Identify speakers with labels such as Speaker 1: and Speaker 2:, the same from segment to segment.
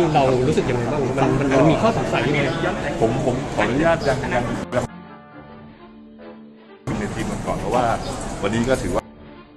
Speaker 1: เรารู้สึกยังไงบ้างมันมีข้อสงสัยยังไง
Speaker 2: ผมขออนุญาตยังในทีมกันก่อนเพราะว่าวันนี้ก็ถือว่า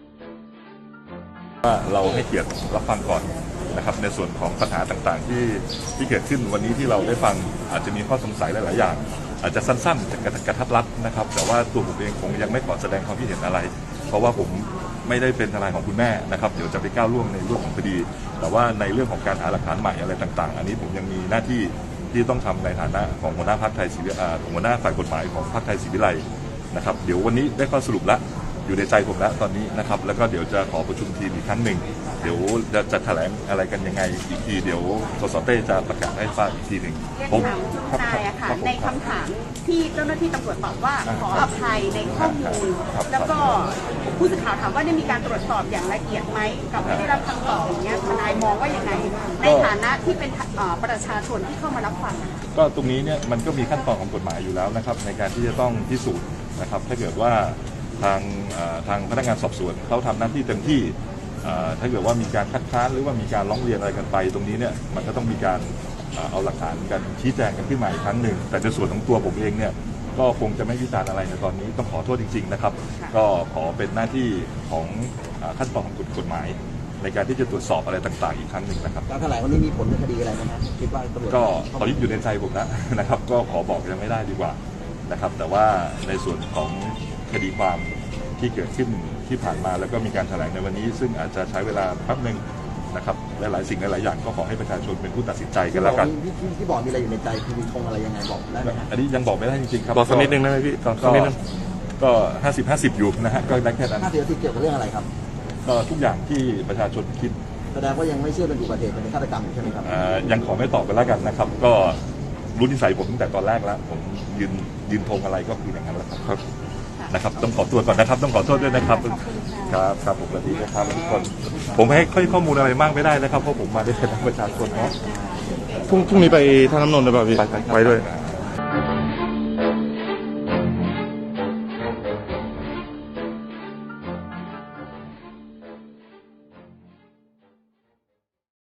Speaker 2: เราให้เกียรติรับฟังก่อนนะครับในส่วนของปัญหาต่างๆที่เกิดขึ้นวันนี้ที่เราได้ฟังอาจจะมีข้อสงสัยหลายๆอย่างอาจจะสั้นๆกระทับรัดนะครับแต่ว่าตัวผมเองคงยังไม่ขอแสดงความคิดเห็นอะไรเพราะว่าผมไม่ได้เป็นทนายของคุณแม่นะครับเดี๋ยวจะไปก้าวล่วงในเรื่องของคดีแต่ว่าในเรื่องของการหาหลักฐานใหม่อะไรต่างๆอันนี้ผมยังมีหน้าที่ที่ต้องทำในฐานะของหัวหน้าพรรคไทยศรีวิไลหัวหน้าฝ่ายกฎหมายของพรรคไทยศรีวิไลนะครับเดี๋ยววันนี้ได้ข้อสรุปแล้วอยู่ในใจผมแล้วตอนนี้นะครับแล้วก็เดี๋ยวจะขอประชุมทีมอีกครั้งหนึ่งเดี๋ยวจะแถลงอะไรกันยังไงอีกทีเดี๋ยวสสเต้จะประกาศให้ทราบอีกทีหนึ่ง
Speaker 3: ผมนายอะค่ะในคำถามที่เจ้าหน้าที่ตำรวจตอบว่าขออภัยในข้อมูลแล้วก็ผู้สื่อข่าวถามว่าได้มีการตรวจสอบอย่างละเอียดไหมกับไม่ได้รับคำตอบอย่างเงี้ยทนายมองว่ายังไงในฐานะที่เป็นประชาชนที่เข้ามารับฟัง
Speaker 2: ก็ตรงนี้เนี่ยมันก็มีขั้นตอนของกฎหมายอยู่แล้วนะครับในการที่จะต้องพิสูจน์นะครับถ้าเกิดว่าทางพนักงานสอบสวนเขาทำหน้าที่เต็มที่ถ้าเกิดว่ามีการคัดค้านหรือว่ามีการร้องเรียนอะไรกันไปตรงนี้เนี่ยมันก็ต้องมีการเอาหลักฐานกันชี้แจงกันขึ้นมาอีกครั้งหนึ่งแต่ในส่วนของตัวผมเองเนี่ยก็คงจะไม่วิจารณ์อะไรในตอนนี้ต้องขอโทษจริงๆนะครับก็ขอเป็นหน้าที่ของขั้นตอนของกฎหมายในการที่จะตรวจสอบอะไรต่างๆอีกครั้งหนึ่งนะครับ
Speaker 4: การแถลงวันนี้มีผลในคดีอะไรไหมครับคิดว่าตำรวจ
Speaker 2: ก็ตอนนี้อยู่ในใจผมนะครับก็ขอบอกยังไม่ได้ดีกว่านะครับแต่ว่าในส่วนของคดีความที่เกิดขึ้นที่ผ่านมาแล้วก็มีการแถลงในวันนี้ซึ่งอาจจะใช้เวลาแป๊บนึงนะครับหลายๆสิ่งหลายๆอย่างก็ขอให้ประชาชนเป็นผู้ตัดสินใจกันแล้วกัน
Speaker 4: ที่บอกมีอะไรอยู่ในใจคือมีธงอะไรยังไงบอกได้ไหมครับ
Speaker 2: อันนี้ยังบอกไม่ได้จริงๆครับ
Speaker 1: บอกสักนิดนึงได้ไหมพี่สักนิดนึง
Speaker 2: ก็50-50อยู่นะฮะก็ได้แค่นั้น
Speaker 4: 50-50เกี่ยวกับเรื่องอะไรครับ
Speaker 2: ก็ทุกอย่างที่ประชาชนคิด
Speaker 4: แสดงว่ายังไม่เชื่อเป็นอุบัติเหตุเป็นฆาตกรรมใช่ไหมครับ
Speaker 2: ยังขอไม่ตอบกันแล้วกันนะครับก็รู้นิสัยผมตั้งแต่ตอนแรกแล้วผมยืนธงอะไรก็คืออย่างนั้นแหละครับนะครับต้องขอตัวก่อนนะครับต้องขอโทษด้วยนะครับครับผมสวัสดีนะครับทุกคนผมให้ข้อมูลอะไรมากไม่ได้นะครับเพราะผมมาได้แต่ประชาชนเนาะ
Speaker 1: พรุ่งนี้ไปท่าน้ำนนท์หรือเปล่าพี่ไปด้วย